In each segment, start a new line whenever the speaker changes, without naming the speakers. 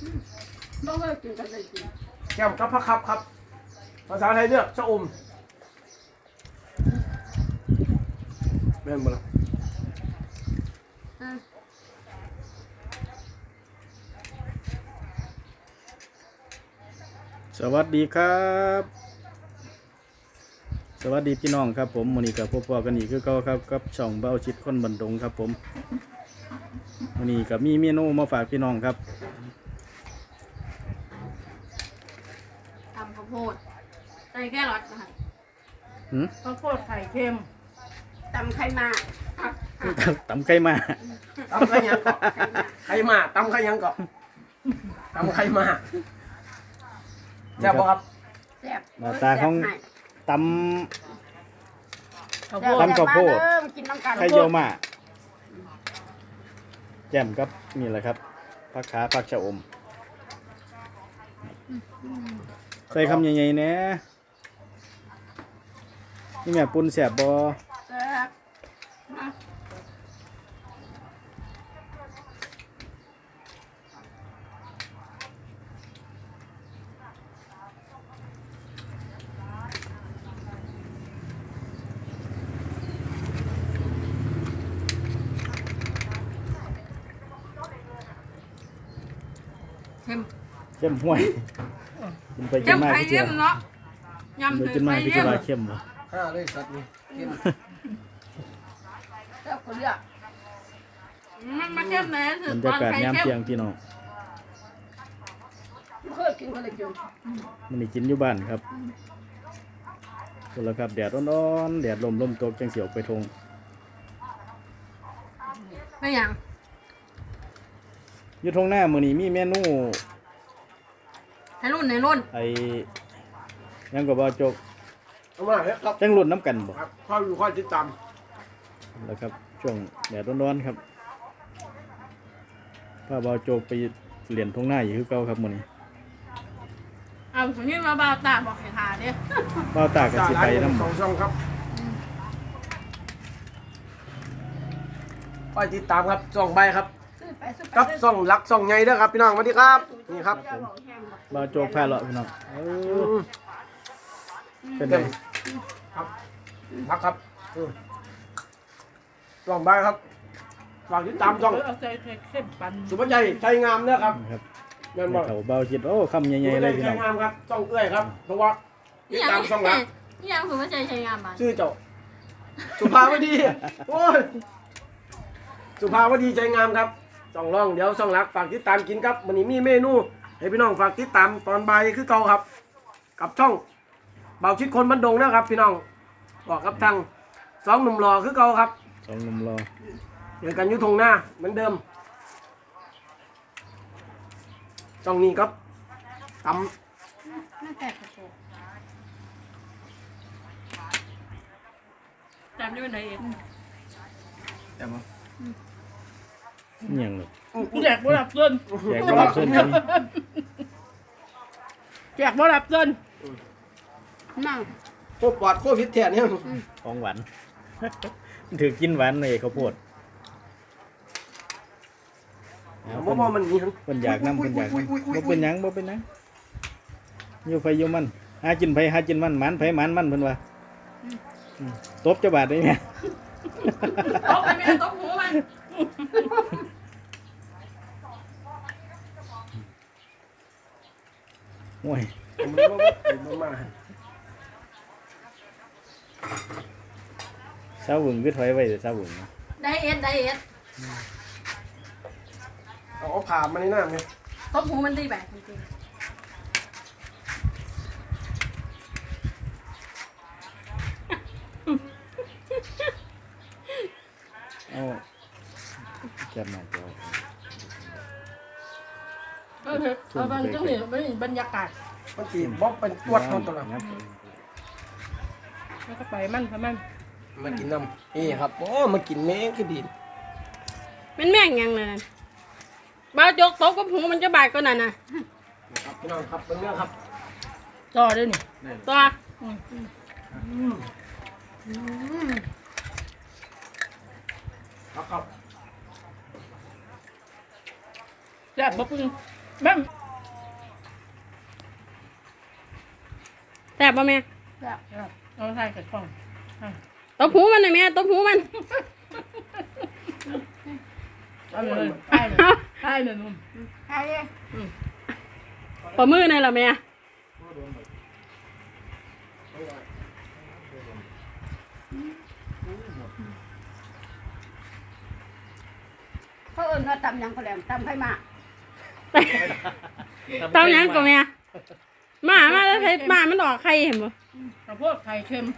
ต้องเลิกกินกันเลยกิน
แก้มกับผักครับภาษาไทยเรียกชะอมแม่นบ่ล่ะ
สวัสดีครับสวัสดีพี่น้องครับผมมื้อนี้ก็พบกันอีกคือเก่าครับกับช่องเบ้าชิดคนบันดงครับผมมื้อนี้ก็มีเมนูมาฝากพี่น้องครับ
ตำข้าวโพดใส่แค่รสนะคะ
ข้าวโพดไข่เค็ม
ตำไข่มา
ตำไข่มา
ตำไข่ยังเกาะไข่มาตำไข่ยังเกาะตำไข่มาแซ่บบ่ครับ
แซ่บ
หน้าตาของตำข้าวโพดไข่เยี่ยวมาแจ่มครับนี่แหละครับผักขาผักชะอมใส่คำใหญ่ๆเนี่ยนี่แม่ปุ่นแสบบ่
แซ่บ
เข้มห่วยกินไปกินมาพี่เจ้า
เนาะยำ
ไปกินมาพี่เจ้าเข้มบ่
เลยสัตว์นี่
แซ่บคนเดียวมันเข้มไหน
บรรยากาศยามเที่ยงพี่น้อง
เคยกินกันเลยกิน
มันนี่กินอยู่บ้านครับคนละครับแดดร้อนๆแดดลมตกจังเสียวไปทง
ไม่ยัง
อยู่ทงหน้ามื้อนี้มีเมนู
ให้รุ่น
ไอ้ยังก็บ่จก
เอามาครับ
จังรุ่นน้ำกันบ่
ค่อยอยู่ค่อยติดตาม
แล้วครับช่วงแดดร้อนๆครับถ้าบ่จกไปเรียนทงหน้าอยู่คือเก่าครับมื้อนี้
เอาสมมติมาบ่าวตาบอกให้ทาเด้
บ่าวตาก็สิไปนำ
สองช่องครับค่อยติดตามครับช่องใบครับกับช่องรักช่องใหญ่เด้อครับพี่น้องสวัสดีครับนี่ครับ
บ่าวจกพาเลาะพี่น้องเป็นไง
ครับพักครับช่องใบครับฝากติดตามช่องสุภาพใจใจงามเด้อครับ
แม่นบ่เขาเบาจิตโอ้คำใหญ่ๆเลยพี่น้อง
งามครับช่องเอื้อยครับเพราะว่าติดตามช่องรัก
นี่ยังสุภาพใจใจงามบ่
ชื่อเจ้าสุภาวดีโอ้ยสุภาวดีใจงามครับช่องร่องเดี๋ยวช่องรักฝากติดตามกินครับวันนี้มีเมนูให้พี่น้องฝากติดตามตอนบ่ายคือเก่าครับกับช่องเบาชิดคนบันดงนะครับพี่น้องบอกครับทางสองหนุ่มหล่อคือเก่าครับ
สองหนุ่มหล่อ
เจอกันอยู่ทงหน้าเหมือนเดิมช่องนี้ครับตำ
จำได้ไหนเอง
จำมั้ย
ยังเลย
แจกบ่รับเงิน
แจกบ่รับเงิน
แจกบ่รับเงิน
นั่ง
โคปอดโควิดแทนเนี่ย
ของหวานถือกินหวานเลยข้าวโพด
บ่มันมี
เพิ่นอยากนำเพิ่นอยากบ่เป็นหยังอยู่ไผอยู่มันหากินไผหากินมันหมันไผหมันมันเพิ่นว่าตบเจ้าบาดได้แม่
ตบไปแม่ตบหูมัน
โอ้ยสาวหึงคือถอยไว้เด้อสาวหึง
ได้เอ็ด
เอาผ่ามาในหน้าเนี่ย
ตบหูมันดีแบบจริง
เอาจับมาจอ
เอาบางจังนี่มันบรรยากาศ
มันจีบบอกเป็นปวดนอนตัวละ
แล้วก็ไปมัน
มากินน้ำนี่ครับโอ้มากินแมงคือดี
เป็นแม่งยังเลยบ้าจกตบกับหูมันจะบาดก็นั่นน่ะ
ครับพี่น้องครับเป็นเรื่องครับ
ต่อด้วยนี่
ต่อ
ครับ
แซ่บบ่ปึ้งแม่ง
แซ่บป่ะแม่
เอาใส่กับกล่อง
ตบหูมันหน่อยแม่ตบหูมัน
เอาเลยใช่เลยใช่เลยนุ่ม
ใช่เลย
ปอมือหน่อยล่ะแม่
เขาเอิ้นว่าตำหยังก็แหลมตำไข่หมาก
เต้าหยังก็แม่มาแล้วใส่มามันออกไข่เห็นบ่
ข้าวโพดไข่เค็ม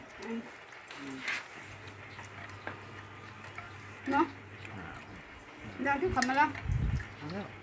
เนาะเดี๋ยวที่ขับมาแล้ว
เอาแล้ว